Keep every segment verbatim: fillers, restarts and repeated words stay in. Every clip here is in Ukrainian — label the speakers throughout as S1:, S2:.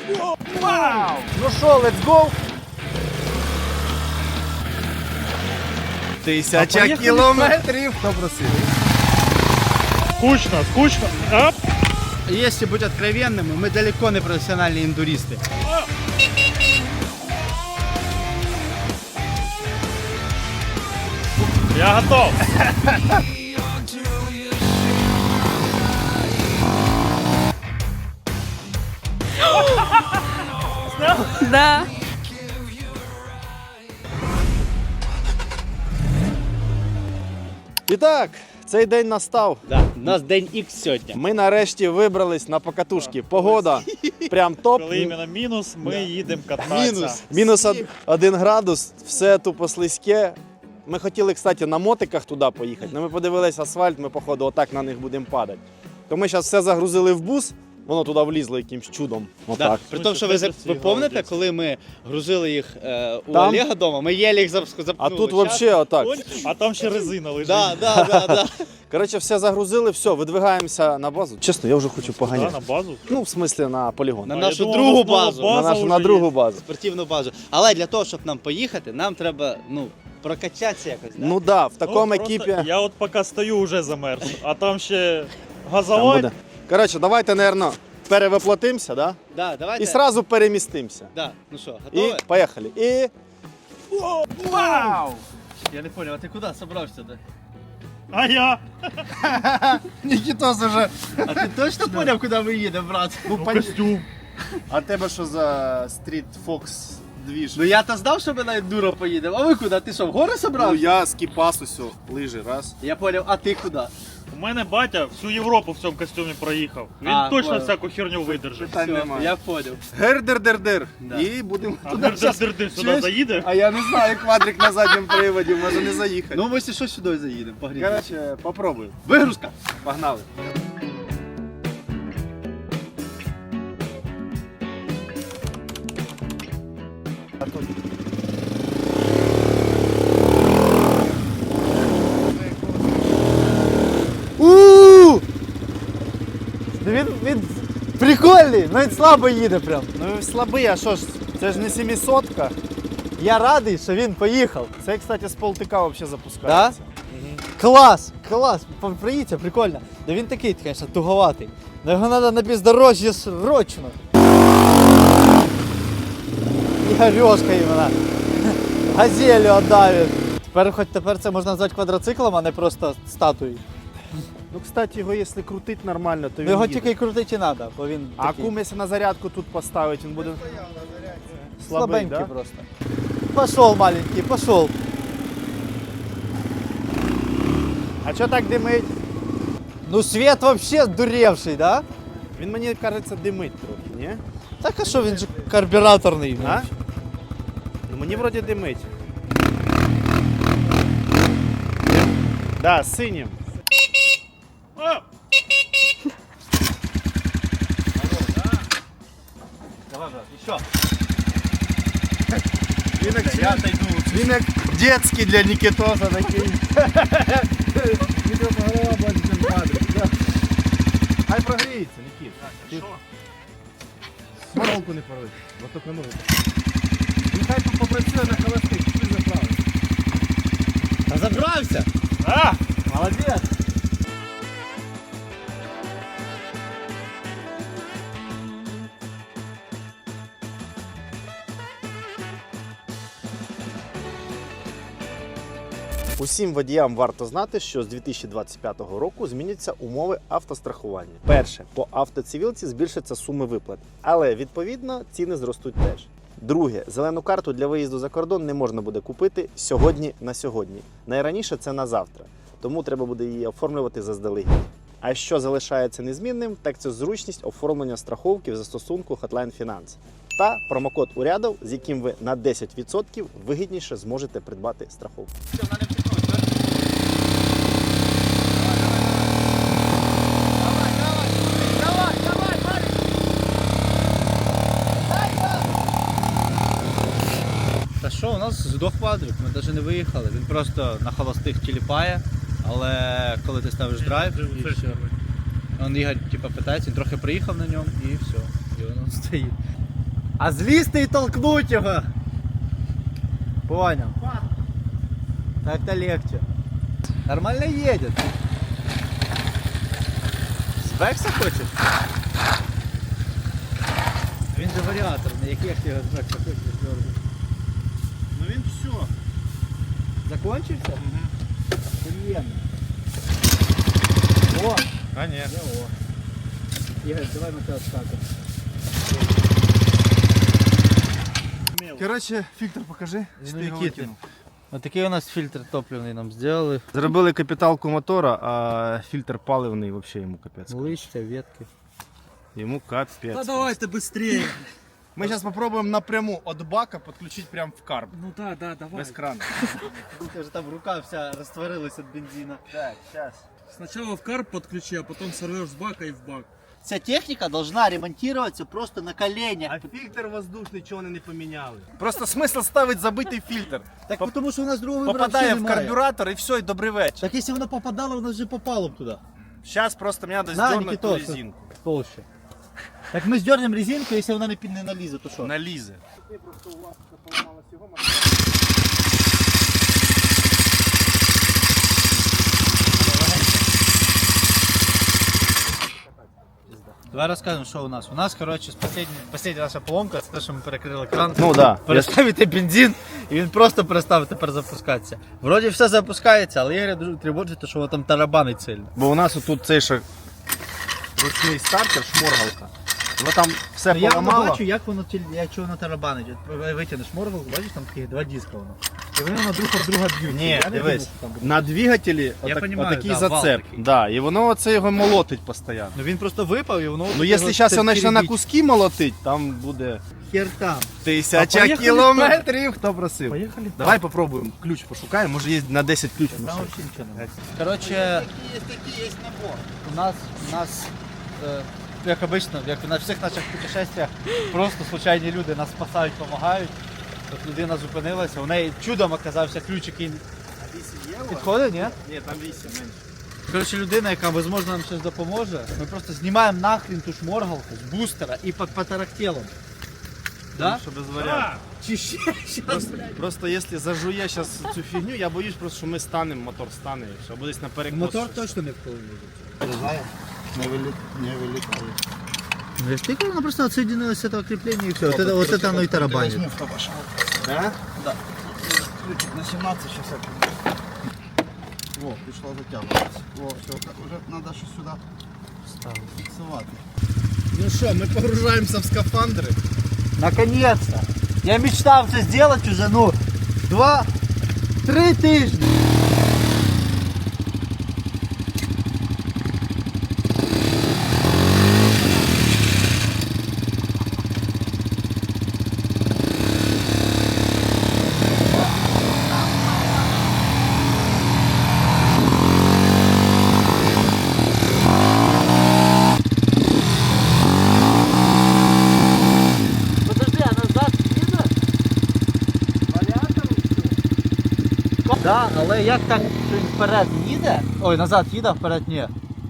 S1: Вау! Ну що, let's go! Тисяча кілометрів! Хто просив?
S2: Скучно, скучно. Оп.
S1: Если быть откровенным, мы далеко не профессиональные индуристы.
S2: Я готов.
S3: Да.
S4: І так, цей день настав.
S1: Да, у нас день Х сьогодні.
S4: Ми нарешті вибрались на покатушки. Погода прям топ.
S2: Коли іменно мінус, ми їдемо кататися.
S1: Мінус.
S4: Мінус од- один градус, все тупо слизьке. Ми хотіли, кстати, на мотиках туди поїхати, але ми подивилися асфальт, ми, походу, отак на них будемо падати. То ми зараз все загрузили в бус, воно туди влізло якимсь чудом.
S1: Да.
S4: Отак.
S1: При тому, що ви, за- ви пам'ятаєте, коли ми грузили їх е, у
S4: Там?
S1: Олега вдома, ми єлі їх зап- запнули.
S4: А тут
S1: Щас-
S4: взагалі отак.
S2: А там ще резина лежить.
S1: Да, да, да, да.
S4: Коротше, все загрузили, все, видвигаємося на базу. Чесно, я вже хочу
S2: Да,
S4: поганяти.
S2: на базу.
S4: Ну, в смислі, на полігон.
S1: На
S2: А,
S1: нашу
S2: я думав,
S1: другу
S2: у нас нова
S1: базу.
S2: база
S4: на нашу
S2: вже
S4: на
S2: є.
S4: другу базу.
S1: Спортивну базу. Але для того, щоб нам поїхати, нам треба, ну, прокачатися якось. Да?
S4: Ну так, да, в
S2: Ну,
S4: такому
S2: просто
S4: екіпі.
S2: Я от поки стою, вже замерз. А там ще
S4: Там
S2: газовать.
S4: буде. Коротше, давайте, мабуть, перевоплотимося, да?
S1: Да, давайте.
S4: І одразу перемістимося.
S1: Да. Ну що,
S4: І
S1: готові?
S4: поїхали. І
S1: Вау! Я не понял, а ти куди собрався? Да?
S2: А я?
S4: Нікітос уже.
S1: А ти точно поняв, куди ми їдемо, брат?
S4: Ну,
S2: Ну, костюм.
S4: А тебе що за Street Fox двіж?
S1: Ну я то знав, що ми на ендуро поїдемо. А ви куди? Ти що, в гори
S4: Ну
S1: собрався?
S4: я з Кіпасу сьо, лижи, раз.
S1: Я поняв, а ти куди?
S2: У мене батя всю Європу в цьому костюмі проїхав. Він
S1: А,
S2: точно
S1: понял.
S2: всяку херню видержить.
S4: Питань
S1: Все,
S4: немає.
S1: я поняв.
S4: Гер-дер-дер-дер.
S1: Да.
S4: І будемо
S2: А
S4: туди щас-
S2: дир-дир-дир сюди
S4: Чуєш?
S2: заїде?
S4: А я не знаю, квадрик на задньому приводі, може не заїхати.
S1: Ну ми ще що сюди заїдемо, погріємо.
S4: Коротше, попробуй.
S1: Вигрузка.
S4: Погнали.
S5: У! Він, він прикольний, навіть слабо їде прям.
S4: Ну слабий, а що ж, це ж не сімисотка.
S5: Я радий, що він поїхав.
S4: Це, кстати, з полтика взагалі запускається.
S5: Клас! Клас! Приїдься, прикольно. Да він такий, звісно, туговатий. Но його треба на бездорожжі срочно. Ігорьошка іменно. Газелю віддавить. Тепер, хоч тепер це можна назвати квадроциклом, а не просто статуєю.
S4: Ну, кстати, його якщо крутить нормально, то він
S5: Ну, його
S4: їде.
S5: тільки і крутити не треба, бо він
S4: А
S5: такий
S4: кум, якщо на зарядку тут поставить, він буде слабий,
S5: слабенький
S4: да?
S5: просто. Пошел, маленький, пошел.
S4: А що так димить?
S5: Ну свет вообще дуревший, да?
S4: Він, мені кажеться, димить трохи, ні?
S5: Так а що він же карбюраторний?
S4: А? Ну, мені вроді димить. Да, синім.
S2: А!
S1: Давай, брат, еще.
S4: Він як,
S1: Я отойду.
S4: він як детський для Нікітоса такий. Нікіта голова бачить, ніж квадрик. Да. Хай прогріється, Нікіт. Ти Сморолку не порви, бо тільки ногу. Він хай тут попрацює на холостих, ти заправиш.
S1: Та забрався.
S2: А!
S5: Молодец.
S4: Усім водіям варто знати, що з дві тисячі двадцять п'ятого року зміняться умови автострахування. Перше, по автоцивілці збільшаться суми виплат, але відповідно ціни зростуть теж. Друге, зелену карту для виїзду за кордон не можна буде купити сьогодні на сьогодні. Найраніше це на завтра, тому треба буде її оформлювати заздалегідь. А що залишається незмінним, так це зручність оформлення страховки в застосунку Hotline Finance та промокод урядов, з яким ви на десять відсотків вигідніше зможете придбати страховку.
S1: Та що, у нас здох квадрик, ми навіть не виїхали. Він просто на холостих тіліпає, але коли ти ставиш драйв, і все. Он Ігор типу, питається, він трохи приїхав на ньому і все. І воно стоїть.
S5: А злізти і толкнуть його. Понял. Так-то легче. Нормально едет. З Бекса хочеш? Він же варіатор, на яких ти його з Бекса хочеш зробити?
S4: Ну він все.
S5: Закончився? Приємно. О!
S4: А ні.
S5: О. Ігор, давай ми тебе скакаємо.
S4: Коротше, фільтр покажи.
S5: Ну, який Отакий у нас фільтр топливний нам зробили.
S4: Зробили капіталку мотора, а фільтр паливний взагалі йому капець.
S5: Листя, ветки.
S4: Йому капець.
S2: Да давай-то быстрее.
S4: Ми зараз спробуємо напряму від бака підключити прямо в карб.
S2: Ну да, да, давай.
S4: Без крана.
S5: Це ж там рука вся розтворилась від бензина.
S4: Так, зараз.
S2: Сначала в карп подключи, а потом сорвешь с бака и в бак.
S5: Ця техніка должна ремонтуватися просто на коленях.
S4: А фільтр воздушний, чого вони не поміняли? Просто смисл ставити забитий фільтр.
S5: Так Поп... тому що у нас другого вибору
S4: Попадає
S5: взагалі
S4: в
S5: немає.
S4: карбюратор і все, і добрий вечір.
S5: Так якщо воно попадало, воно вже попало б туди.
S4: Зараз просто мені треба
S5: На,
S4: здернути ту
S5: Нікітос.
S4: резинку.
S5: Толще. Так ми здернемо резинку, якщо вона не, під- не налізе, то що?
S4: Налізе.
S5: Давай розкажемо, що у нас. У нас, коротше, остання наша поломка, це те, що ми перекрили кран.
S4: Ну да.
S5: Переставити бензин, і він просто перестав тепер запускатися. Вроді все запускається, але Ігоря дуже тривожить, що воно там тарабанить сильно.
S4: Бо у нас тут цей ще ручний стартер, шморгалка. Воно там все
S5: Ну, я не
S4: поламало.
S5: бачу, як воно тіль- як воно тарабанить. От витягнеш моргалку, бачиш, там такі два диска воно. І вони на друг об друга б'ють.
S4: Ні,
S5: Я не
S4: дивись,
S5: думав, що там буде.
S4: на двигателі отак,
S5: понімаю,
S4: отакий
S5: да, вал
S4: зацеп.
S5: такий.
S4: Да, і воно оце його молотить постійно.
S5: Ну він просто випав і воно...
S4: Ну якщо зараз його почне на куски молотить, там буде
S5: Хер там.
S4: тисяча
S5: А поїхали
S4: кілометрів. Хто просив?
S5: Поїхали?
S4: Давай попробуємо. Ключ пошукаємо, може є на десять ключ.
S5: Там взагалі нічого немає. Коротше, у нас, у нас, е, як обично, як на всіх наших путешествиях, просто случайні люди нас спасають, допомагають. Тут людина зупинилася, у неї чудом оказався ключ, який підходить, ні?
S4: Ні, там вісім менше.
S5: Коротше, людина, яка, можливо, нам щось допоможе, ми просто знімаємо нахрін ту шморгалку з бустера і по, по тарахтелам. Да?
S4: Що без варіантів.
S5: Чи ще щас?
S4: Просто, просто якщо зажує зараз цю фігню, я боюсь просто, що ми станемо, мотор стане, і що буде десь на перекос.
S5: Мотор
S4: щось.
S5: точно не вплине.
S4: Не вилітає.
S5: Ну, ты она просто отсоединилась с этого крепления и все. Вот это, вот это оно и тарабанит.
S4: Да?
S6: На сімнадцять шістдесят. О, пішло затягуватися. О, все, так уже треба щось сюди фіксувати.
S4: Ну що, ми погружаємося в скафандри.
S5: Наконец-то! Я мечтал это сделать уже, ну, два, три тижні. Подожди, а назад їде? Да, але як так, що він вперед їде? Ой, назад їде, а вперед ні.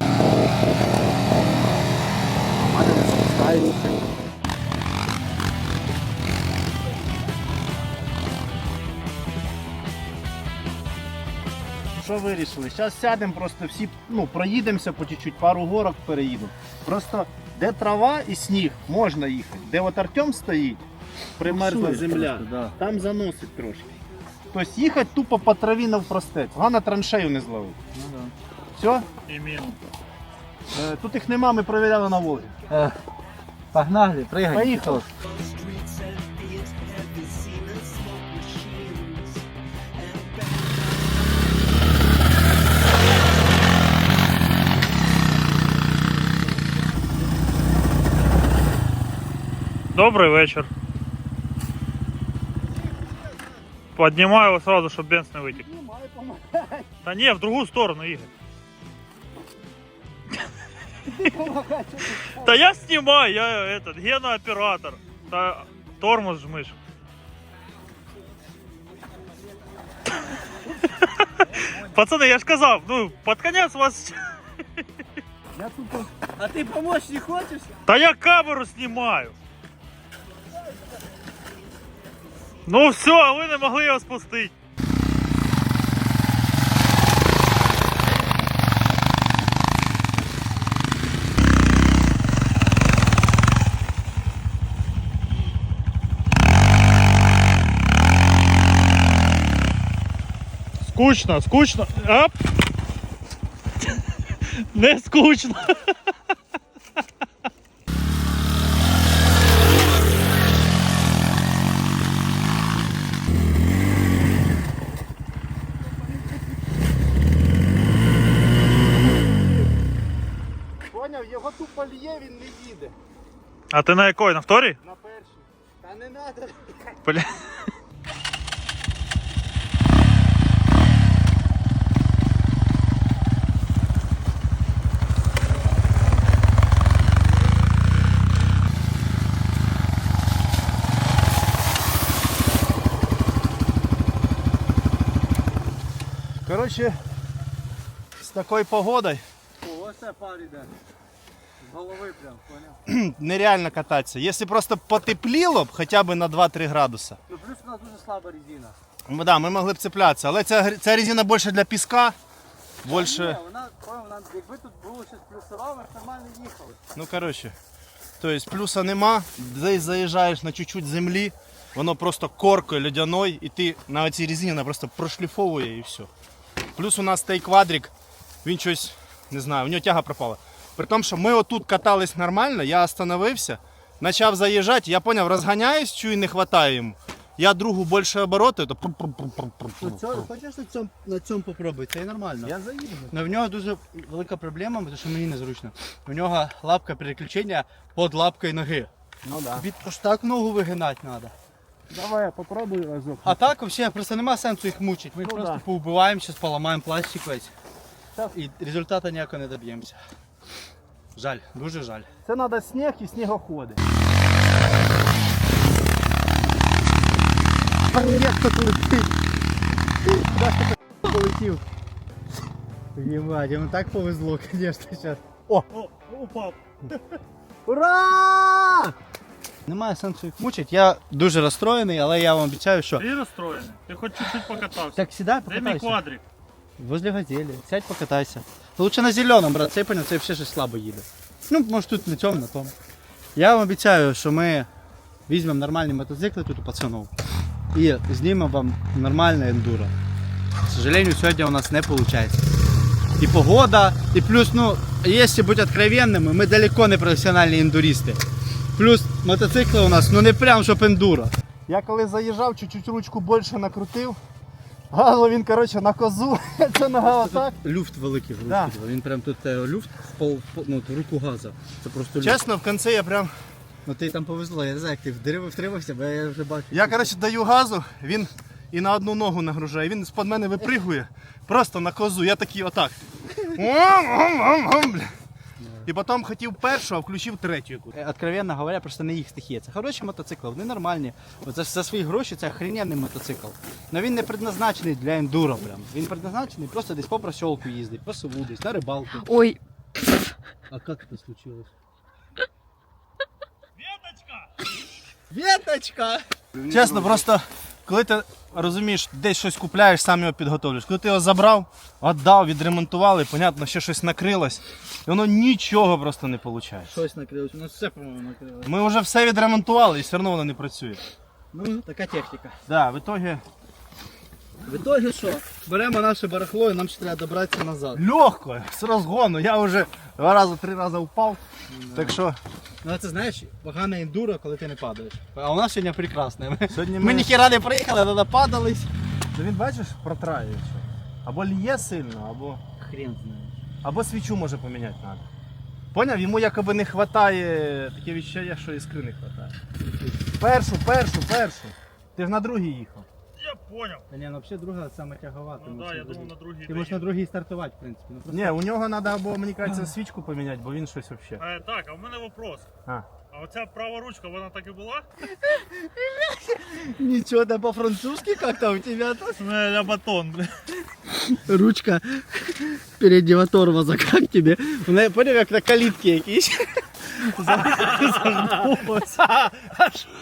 S4: Що вирішили? Зараз сядемо, просто всі, ну, проїдемося по чуть-чуть, пару горок переїдемо. Просто де трава і сніг, можна їхати. Де от Артем стоїть, примерзла земля,
S5: да.
S4: там заносить трошки. Тобто їхати тупо по траві навпростець. Головне траншею не зловити.
S5: Ну, да.
S4: Все?
S2: Именно.
S4: Е, Тут їх нема, ми провіряли на Волгі.
S5: Е, погнали, пригай.
S4: Поїхали.
S2: Добрый вечер. Поднимаю его сразу, чтобы бенз не вытек. Да не, в другую сторону, Игорь. Да я снимаю, я этот, Гена оператор. Да, тормоз жмышь. Пацаны, я ж сказал, ну, под конец вас...
S5: А ти помочь не хочеш?
S2: Да я камеру снимаю. Ну все, а ви не могли його спустити. Скучно, скучно. Оп. Не скучно.
S4: Поняв, його тупо лє, він не їде.
S2: А ти на якої? На вторій?
S4: На першій. Та не надо.
S2: Бля.
S4: Коротше, з такою погодою
S5: Ось це пар іде. З голови прям, поняв?
S4: нереально кататися. Якщо просто потепліло б хоча б на два-три градуси.
S5: Ну плюс у нас дуже слаба резина.
S4: Ну, да, ми могли б цеплятися, але ця, гр- ця резина більше для піска.
S5: Ні,
S4: Більше.
S5: вона, вона, якби тут було щось плюсове, ми б нормально їхали.
S4: Ну коротше. Тобто плюса нема, десь заїжджаєш на чуть-чуть землі, воно просто коркою льодяною, і ти на цій резині вона просто прошліфовує і все. Плюс у нас цей квадрик, він щось, не знаю, у нього тяга пропала. При тому, що ми отут катались нормально, я остановився, почав заїжджати, я зрозумів, розганяюсь, чую, не вистачає йому. Я другу більше обороти, то
S5: Ну, цього, хочеш на цьому, на цьому попробуй, це і нормально.
S4: я заїду.
S5: Но в нього дуже велика проблема, тому що мені незручно. У нього лапка переключення під лапкою ноги.
S4: Ну да.
S5: Від аж так ногу вигинати треба.
S4: Давай я попробую разок.
S5: А так взагалі просто нема сенсу їх мучити. Ми їх
S4: Ну
S5: просто
S4: да.
S5: поубиваємо, зараз поламаємо пластик весь. І результату ніякого не доб'ємося. Жаль, дуже жаль.
S4: Це треба сніг і снігоходи.
S5: Як тут летить? Куди ж ти полетів? Єбать, йому так повезло, звісно, зараз.
S2: О, упав.
S5: Ура! Немає сенсу їх мучити. Я дуже розстроєний, але я вам обіцяю, що...
S2: Ти розстроєний? Ти хоч чуть-чуть покатався.
S5: Так, сідай,
S2: Де мій
S5: покатайся.
S2: квадрик?
S5: Возле газелі. Сядь, покатайся. Лучше на зеленому, брат, цей поняв, цей взагалі щось слабо їде. Ну, може тут на цьому, на тому. Я вам обіцяю, що ми візьмемо нормальні мотоцикли тут у пацанов і знімемо вам нормальне ендуро. К сожалению, сьогодні у нас не виходить. І погода, і плюс, ну, якщо бути откровенними, ми далеко не професіональні ендуристи. Плюс мотоцикли у нас, ну не прям щоб ендуро.
S4: Я коли заїжджав, чуть-чуть ручку більше накрутив. Газу він, коротше, на козу. Це нога отак.
S5: Люфт великий,
S4: Да.
S5: він прям тут е, люфт в пол, в- ну, в руку газа. Це просто люфт.
S4: Чесно, в кінці я прям.
S5: Ну ти там повезло, я не знаю, як ти в дерево втримався, бо я вже бачу.
S4: Я, коротше, даю газу, він і на одну ногу нагружає. Він з-під мене випригує. Просто на козу. Я такий отак. Бля. І потім хотів першу, а включив третю якусь.
S5: Е, Откровенно говоря, просто не їх стихія. Це хороші мотоцикли, вони нормальні. От за, за свої гроші це охрененний мотоцикл. Але він не предназначений для ендуро прям. Він предназначений просто десь по просьолку їздить, по селу десь, на рибалку.
S3: Ой,
S5: А як це случилось?
S2: Веточка!
S5: Веточка!
S4: Чесно, просто коли ти розумієш, десь щось купляєш, сам його підготовлюєш. Коли ти його забрав, віддав, відремонтували, понятно, ще щось накрилось. І воно нічого просто не виходить.
S5: Щось накрилось, у нас все, по-моєму, накрилось.
S4: Ми вже все відремонтували і все одно воно не працює.
S5: Ну, така техніка.
S4: Да, в итоге
S5: В ітогі що? Беремо наше барахло і нам ще треба добратися назад.
S4: легко, з розгону. Я вже два рази, три рази впав. Так що
S5: Ну а це знаєш, погане ендуро, коли ти не падаєш. А у нас сьогодні прекрасне. Ми,
S4: сьогодні
S5: ми
S4: ми...
S5: ніхіра не приїхали, але нападались.
S4: Він бачиш, протраює. Або лє сильно, або,
S5: Хрен знає.
S4: або свічу може поміняти треба. Поняв? Йому якоби не вистачає, таке відчуття, що іскри не вистачає. Першу, першу, першу. Ти ж на другій їхав.
S2: Я понял.
S5: Та ні, ну взагалі друга саме тягова.
S2: Ну да, я думав на другій.
S5: Ти можеш на другій стартувати, в принципі. Ну, просто...
S4: Ні, у нього треба або, мені кажеться, свічку поміняти, бо він щось взагалі.
S2: Е, так, а в мене вопрос.
S4: А.
S2: А оця права ручка, вона так і була?
S5: Нічого, да по-французски как-то у тебя тут.
S2: Не, ля батон, бля.
S5: Ручка переднего тормоза, как тебе? Вона, поняв, як на калітки якісь. Загнулась.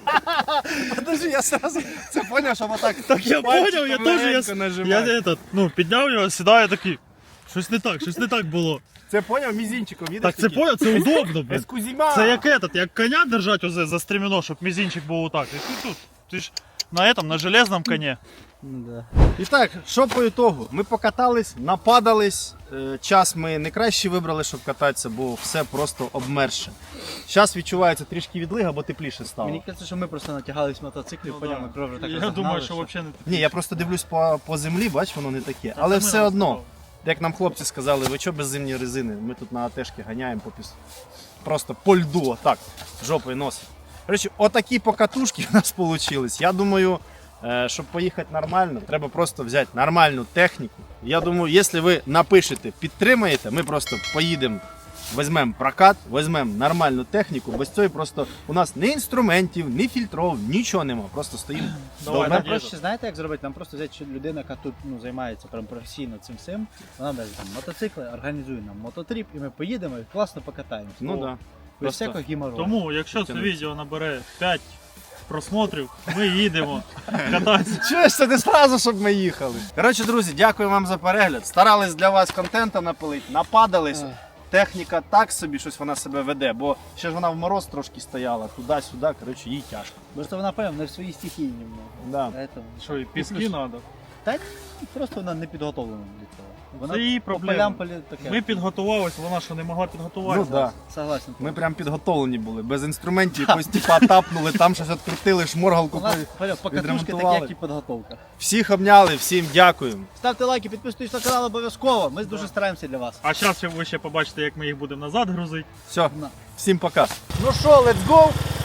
S6: Подожди, я сразу це поняв, що отак.
S2: Так я поняв, я теж я,
S6: легенько
S2: я
S6: нажимаю.
S2: этот, ну, підняв його, сідаю такий. Щось не так, щось не так було.
S6: Це поняв мізинчиком, видиш?
S2: Так це поняв, це удобно, блін.
S6: Ескузіма.
S2: Це як этот, як коня держать озе за стремено, щоб мізинчик був отак. І ти тут, ти ж на этом, на железному коні.
S6: І так, що по ітогу? Ми покатались, нападались. Е, Час ми не краще вибрали, щоб кататися, бо все просто обмерше. Зараз відчувається трішки відлига, бо тепліше стало.
S5: Мені кажеться, що ми просто натягались мотоциклів,
S2: Ну,
S5: по
S2: да.
S5: ньому кров вже так
S2: Я
S5: розогнали,
S2: думаю, що
S5: що...
S2: взагалі не так.
S6: Ні, я просто дивлюсь по, по землі, бач, воно не таке. Але
S2: це
S6: все
S2: ми
S6: одно,
S2: розказали.
S6: як нам хлопці сказали, ви що без зимньої резини? Ми тут на АТшки ганяємо по піс... просто по льду, отак, жопою носить. Коротше, отакі покатушки у нас вийшли. Я думаю, е, щоб поїхати нормально, треба просто взяти нормальну техніку. Я думаю, якщо ви напишете, підтримаєте, ми просто поїдемо, візьмемо прокат, візьмемо нормальну техніку. Без цього просто у нас ні інструментів, ні фільтров, нічого нема. Просто стоїмо.
S2: Давай,
S5: Нам
S2: тоді
S5: проще, знаєте, як зробити? Нам просто взяти людину, яка тут ну, займається прям професійно цим всім. Вона бере там мотоцикли, організує нам мототріп, і ми поїдемо і класно покатаємося.
S6: Ну так. Да.
S5: Без
S6: Просто
S5: всякого гімору.
S2: Тому, якщо це
S6: Тянуться.
S2: відео набере п'ять просмотрів, ми їдемо кататися.
S6: Чуєш, це не зразу, щоб ми їхали. Коротше, друзі, дякую вам за перегляд. Старались для вас контента напилити, нападались. Техніка так собі щось вона себе веде, бо ще ж вона в мороз трошки стояла, туди-сюди, коротше, їй тяжко.
S5: Просто вона, певно, не в своїй стихії немного.
S6: Да.
S5: Поэтому...
S2: Що, і піски треба?
S5: Та ні, просто вона не підготовлена для цього. Вона
S2: Це її
S5: по
S2: проблема.
S5: полям полі таке.
S2: Ми підготувалися, вона що не могла
S6: Ну
S2: підготуватися.
S6: да.
S5: Согласен.
S6: Ми прям підготовлені були, без інструментів, якось типа тапнули, там щось відкрутили, шморгалку.
S5: У нас Поля, покатушки такі,
S6: відремонтували.
S5: як і підготовка.
S6: Всіх обняли, всім дякую.
S5: Ставте лайки, підписуйтесь на канал обов'язково. Ми дуже стараємося для вас.
S2: А зараз ви ще побачите, як ми їх будемо назад грузити.
S6: Все,
S5: На.
S6: всім пока. Ну що, let's go!